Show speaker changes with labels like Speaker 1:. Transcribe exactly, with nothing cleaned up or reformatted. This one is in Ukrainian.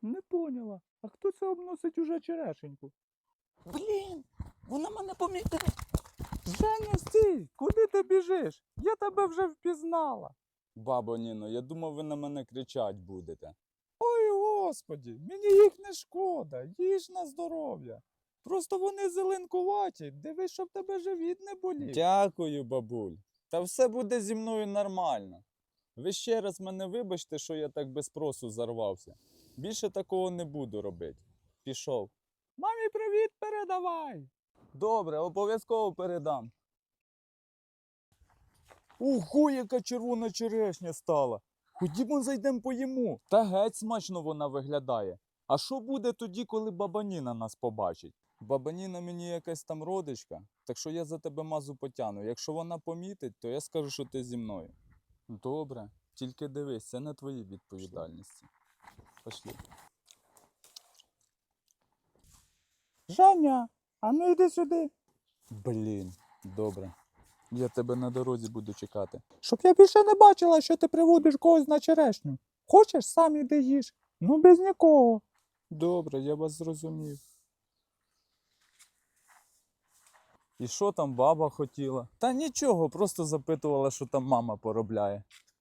Speaker 1: Не поняла. А хто це обносить уже черешеньку? Блін, вона мене помітила. Женя, стій! Куди ти біжиш? Я тебе вже впізнала.
Speaker 2: Бабо Ніно, я думав, ви на мене кричать будете.
Speaker 1: Ой, господі, мені їх не шкода, їж на здоров'я. Просто вони зеленкуваті, дивись, щоб тебе живіт не болів.
Speaker 2: Дякую, бабуль. Та все буде зі мною нормально. Ви ще раз мене вибачте, що я так без спросу зарвався. Більше такого не буду робити. Пішов.
Speaker 1: Мамі привіт передавай.
Speaker 2: Добре, обов'язково передам. Ого, яка червона черешня стала. Ходімо зайдемо поїмо. Та геть смачно вона виглядає. А що буде тоді, коли баба Ніна нас побачить? Баба Ніна мені якась там родичка, так що я за тебе мазу потягну. Якщо вона помітить, то я скажу, що ти зі мною. Добре, тільки дивись, це на твоїй відповідальності. Пошли.
Speaker 1: Женя, а ну йди сюди.
Speaker 2: Блін, добре. Я тебе на дорозі буду чекати.
Speaker 1: Щоб я більше не бачила, що ти приводиш когось на черешню. Хочеш, сам іди їж. Ну без нікого.
Speaker 2: Добре, я вас зрозумів. І що там баба хотіла? Та нічого, просто запитувала, що там мама поробляє.